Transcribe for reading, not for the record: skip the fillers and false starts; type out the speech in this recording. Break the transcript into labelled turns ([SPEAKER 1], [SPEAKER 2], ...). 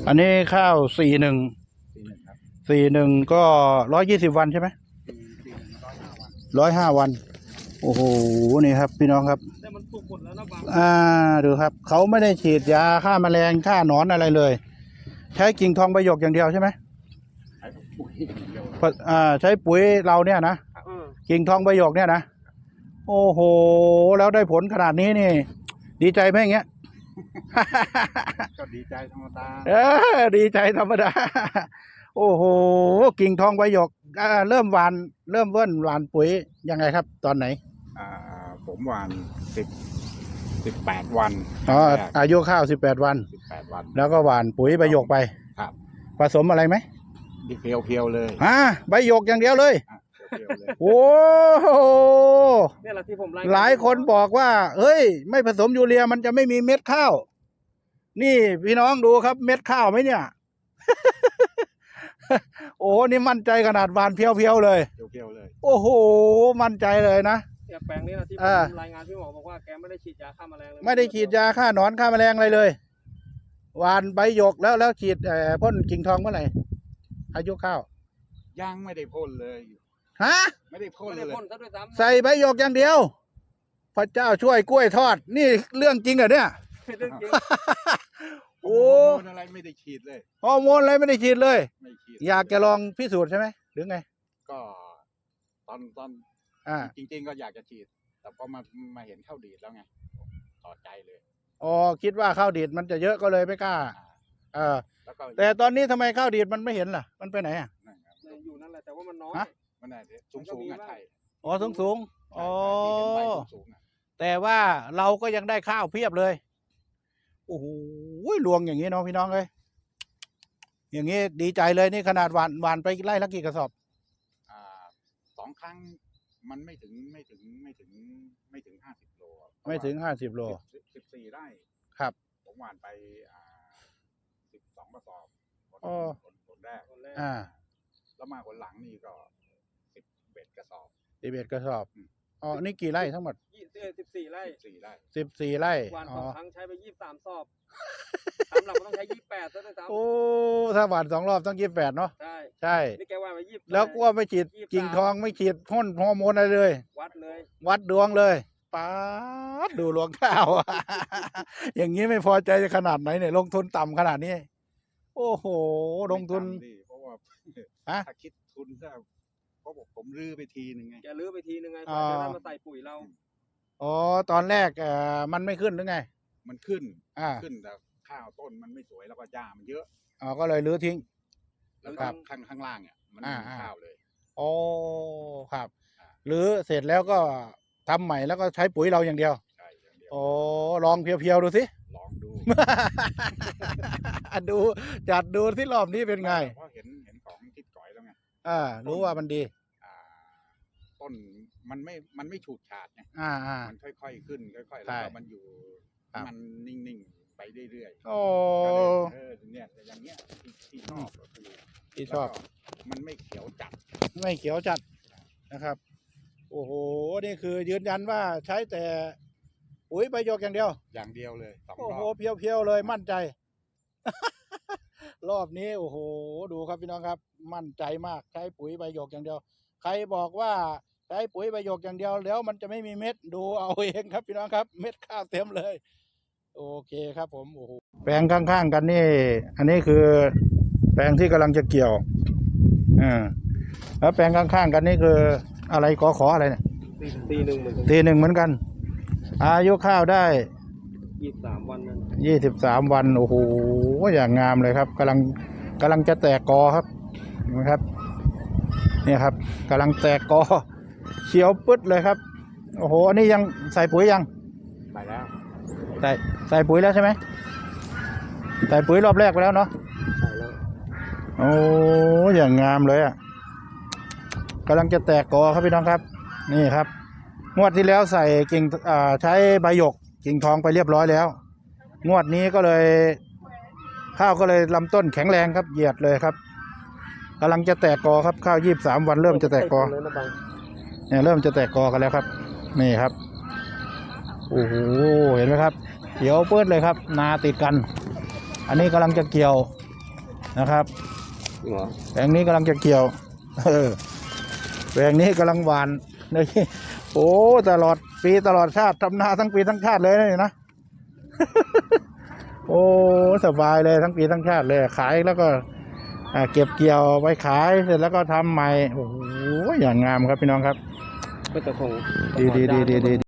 [SPEAKER 1] อันนี้ข้าว41
[SPEAKER 2] ครับ
[SPEAKER 1] 41ก็120 วันใช่ไหม105 วันโอ้โหนี่ครับพี่น้องครับ
[SPEAKER 2] แต่มันสุกหมดแล้วนะบาง
[SPEAKER 1] ดูครับเขาไม่ได้ฉีดยาฆ่าแมลงฆ่าหนอนอะไรเลยใช้กิ่งทองใบหยกอย่างเดียวใช่ไหม
[SPEAKER 2] ใช้ปุ๋ยอย่างเดียว
[SPEAKER 1] ใช้ปุ๋ยเราเนี่ยนะกิ่งทองใบหยกเนี่ยนะโอ้โหแล้วได้ผลขนาดนี้นี่ดีใจไหมอย่างเงี้ย
[SPEAKER 2] ก็ดีใจธรรมดา
[SPEAKER 1] ดีใจธรรมดาโอ้โหกิ่งทองใบหยกเริ่มหวานเริ่มเบิ้ลหวานปุ๋ยยังไงครับตอนไหน
[SPEAKER 2] ผมหวาน18 วัน
[SPEAKER 1] อายุข้าว18 วันแล้วก็หวานปุ๋ยใบหยกไป
[SPEAKER 2] ครับ
[SPEAKER 1] ผสมอะไรไหม
[SPEAKER 2] เพียวๆเลย
[SPEAKER 1] ใบหยกอย่างเดียวเลยโอ้โห
[SPEAKER 2] นี่แหละที่ผม
[SPEAKER 1] หลายคนบอกว่าเฮ้ยไม่ผสมยูเรียมันจะไม่มีเม็ดข้าวนี่พี่น้องดูครับเม็ดข้าวไหมเนี่ย โอ้นี่มั่นใจขนาดหวานเพียวๆเลยโอ้โหมั่นใจเลยนะ
[SPEAKER 2] แปลงนี้นะที่ผมรายงานพี่หมอบอกว่าแกไม่ได้ฉีดยาฆ่าแมลงเลย
[SPEAKER 1] ไม่ได้ฉีดยาฆ่าหนอนฆ่าแมลงอะไรเลยหวานใบหยกแล้วฉีดพ่นกิ่งทองเมื่อไหร่อายุข้าว
[SPEAKER 2] ยังไม่ได้พ่นเลยไม่ได้พ่นเลย
[SPEAKER 1] ใส่ใบหยกอย่างเดียวพระเจ้าช่วยกล้วยทอดนี่เรื่องจริงเหรอเนี่ย
[SPEAKER 2] โอ้อะไรไม่ได้ฉีดเลย
[SPEAKER 1] ฮอร์โมนอะไรไม่ได้ฉีดเลยอยากจะลองพิสูจน์ใช่ไหมหรือไง
[SPEAKER 2] ก็ตอนจริงๆก็อยากจะฉีดแต่พอมาเห็นข้าวดีดแล้วไงต่อใจเลย
[SPEAKER 1] คิดว่าข้าวดีดมันจะเยอะก็เลยไม่กล้าแต่ตอนนี้ทำไมข้าวดีดมันไม่เห็นล่ะมันไปไหน
[SPEAKER 2] อยู่นั่นแหละแต่ว่ามันน้อยมันสูงอ่ะใช่
[SPEAKER 1] สูงแต่ว่าเราก็ยังได้ข้าวเพียบเลยโอ้โหรวงอย่างนี้เนาะพี่น้องเลยอย่างนี้ดีใจเลยนี่ขนาดหวานไปไร่ละกี่กระสอบ
[SPEAKER 2] 2 ครั้งมันไม่ถึง50 โล
[SPEAKER 1] ไม่ถึง50 โล
[SPEAKER 2] 14 ไร่
[SPEAKER 1] ครับ
[SPEAKER 2] ผมหวานไป12 กระสอบคนแรกแล้วมาคนหลังนี่ก็11 กระสอบ
[SPEAKER 1] 11 กระสอบนี่กี่ไร่ทั้งหมด
[SPEAKER 2] 14 ไร่
[SPEAKER 1] 14 ไร่
[SPEAKER 2] หวาน2 ครั้งใช้ไป23 สอบ3 หลักมันต้องใช้28ซะด้วยซ้
[SPEAKER 1] ำถ้าหวาน2 รอบต้อง28เนาะใช่
[SPEAKER 2] นี่แกว่ามา20
[SPEAKER 1] แล้วก็ไม่ฉีดกิ่งทองไม่ฉีดพ่นฮอร์โมนอะไรเลยวัดดวงเลยป๊าดดูรวงข้าว อย่างนี้ไม่พอใจขนาดไหนเนี่ยลงทุนต่ำขนาดนี้โอ้โหลงทุน
[SPEAKER 2] เพราะว่าถ้าคิดทุนถ้าผมรื้อไปทีนึงไงจะรื้อไปทีนึงไงจะได้มาใส่ปุ๋ยเรา
[SPEAKER 1] ตอนแรกมันไม่ขึ้นหรือไง
[SPEAKER 2] มันขึ้นแต่ข้าวต้นมันไม่สวยแล้วก็หญ้ามันเยอะ
[SPEAKER 1] ก็เลยรื้อทิ้ง
[SPEAKER 2] แล้วข้างล่างเนี่ยมันไม่มีข้าวเลย
[SPEAKER 1] ครับรื้อเสร็จแล้วก็ทำใหม่แล้วก็ใช้ปุ๋ยเราอย่างเดียว
[SPEAKER 2] ใช่อย่างเดียว
[SPEAKER 1] ลองเพียวๆดูสิ
[SPEAKER 2] ลองดู
[SPEAKER 1] ดูจัดดูที่รอบนี้เป็นไง
[SPEAKER 2] เพราะเห็นของทิศก่อยแล้วไง
[SPEAKER 1] รู้ว่ามันดี
[SPEAKER 2] ต้นมันไม่ฉูดฉาดไงมันค่อยๆขึ้นค่อยๆแล้วมันอยู่มันนิ่งๆไปเรื่อยๆเนี่ยอย่างเงี้ยที่ชอบมันไม่เขียว
[SPEAKER 1] จัดนะครับโอ้โหนี่คือยืนยันว่าใช้แต่ปุ๋ยใบหยกอย่างเดียว
[SPEAKER 2] เลย
[SPEAKER 1] โอ้โหเพียวๆเลยมั่นใจ รอบนี้โอ้โหดูครับพี่น้องครับมั่นใจมากใช้ปุ๋ยใบหยกอย่างเดียวใครบอกว่าใช้ปุ๋ยใบหยกอย่างเดียวแล้วมันจะไม่มีเม็ดดูเอาเองครับพี่น้องครับเม็ดข้าวเต็มเลยโอเคครับผมโอ้โหแปลงข้างๆกันนี่อันนี้คือแปลงที่กำลังจะเกี่ยวแล้วแปลงข้างๆกันนี่คืออะไรขออะไรเนี่ยตีหนึ่งเหมือนกันอายุข้าวได้
[SPEAKER 2] 23 วัน
[SPEAKER 1] 23 วันโอ้โหอย่างงามเลยครับกำลังจะแตกกอครับนะครับเนี่ยครับกำลังแตกกอเขียวปึ๊ดเลยครับโอ้โหอันนี้ยังใส่ปุ๋ยยัง
[SPEAKER 2] ใส่แล้ว
[SPEAKER 1] ใส่ปุ๋ยแล้วใช่ไหมใส่ปุ๋ยรอบแรกไปแล้วเนาะ
[SPEAKER 2] ใส่แล้ว
[SPEAKER 1] โอ้อย่างงามเลยกำลังจะแตกกอครับพี่น้องครับนี่ครับงวดที่แล้วใส่กิ่งใช้ใบหยกกิ่งทองไปเรียบร้อยแล้วงวดนี้ก็เลยข้าวก็เลยลำต้นแข็งแรงครับเหยียดเลยครับกำลังจะแตกกอครับข้าว23 วันเริ่มจะแตกกอเนี่ยเริ่มจะแตกกอกันแล้วครับนี่ครับโอ้โหเห็นไหมครับเขียวเปิดเลยครับนาติดกันอันนี้กำลังจะเกี่ยวนะครับ
[SPEAKER 3] จริงเหรอ
[SPEAKER 1] แปลงนี้กำลังจะเกี่ยวแปลงนี้กำลังหวานนี่โอ้ตลอดปีตลอดชาติทำนาทั้งปีทั้งชาติเลยนี่นะ โอ้สบายเลยทั้งปีทั้งชาติเลยขายแล้วก็เก็บเกี่ยวไปขายเสร็จแล้วก็ทำใหม่โอ้โหอย่างงามครับพี่น้องครับ
[SPEAKER 3] ก็จะคง
[SPEAKER 1] ดี